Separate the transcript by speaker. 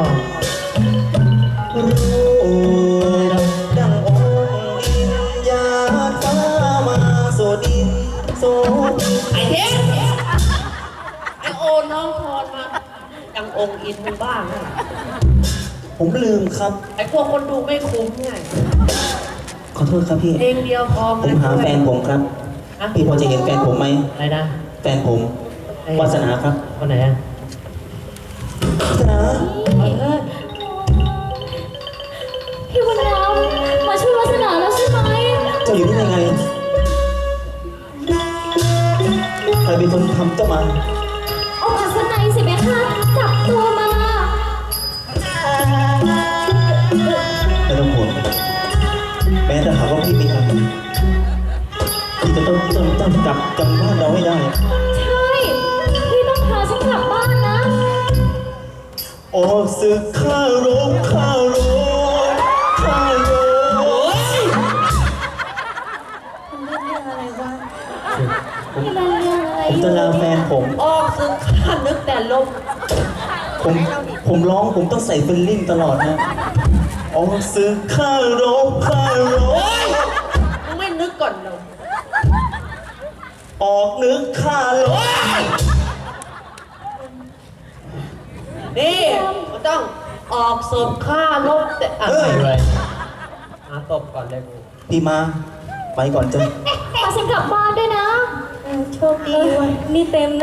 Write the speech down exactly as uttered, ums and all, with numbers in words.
Speaker 1: รู้ดังองค์อินยาฟ้ามาโสดินโสดิน
Speaker 2: ไอ้เทสไอ้โอน้องพรมาดังองค์อินมึงบ้างนะ
Speaker 1: ผมลืมครับ
Speaker 2: ไอ้พวกคนดูไม่คุ้มไง
Speaker 1: ขอโทษครับพี่
Speaker 2: เพลงเดียวพอ
Speaker 1: ผมหาแฟนผมครับ
Speaker 2: อะ
Speaker 1: พี่พอจะเห็นแฟนผมไหม
Speaker 2: อะไรนะ
Speaker 1: แฟนผมวาสนาครับ
Speaker 2: คนไหนอ่ะ
Speaker 1: วาสนา
Speaker 2: เออ
Speaker 3: พี่บุญรำมาช่วยวาสนาแล้วใช่ไหม
Speaker 1: เจ้าอยู่ที่ไหนไงใครเป็นคนทำเจ้ามา
Speaker 3: ออกจากสนัยสิเบค่ะจับตัวมา
Speaker 1: ไม่ต้องห่วงแม้แต่หากว่าพี่ไม่ทำพี่จะต้องต้องต้องกลับจำบ้านเราให้ได้
Speaker 3: ใช่ พี่ต้องพาฉันกลับบ้านนะ
Speaker 1: โอ้สึกข้ารบข้ารบข้ารบ
Speaker 2: โอ้ย
Speaker 3: นี่มันเรื่องอะไร
Speaker 1: ผมจะลาแฟนผม
Speaker 2: ออกซึ่งข้านึกแต่ลม
Speaker 1: ผมผมร้องผมต้องใส่ฟิลลิ่งตลอดนะโอ้สึกข้ารบข้าร
Speaker 2: โอ้
Speaker 1: บ
Speaker 2: ยมึงไม่นึกก่อนเลย
Speaker 1: ออกนึกข้ารบ
Speaker 2: นี่มันต้องออกสมค่าลบแต่อะไรเลยหาตบก่อนเลยกู
Speaker 1: พี่มาไปก่อนจ้ะ
Speaker 3: พาฉันกลับบ้านด้วยนะ โชคดีวันนี่เต็มนะ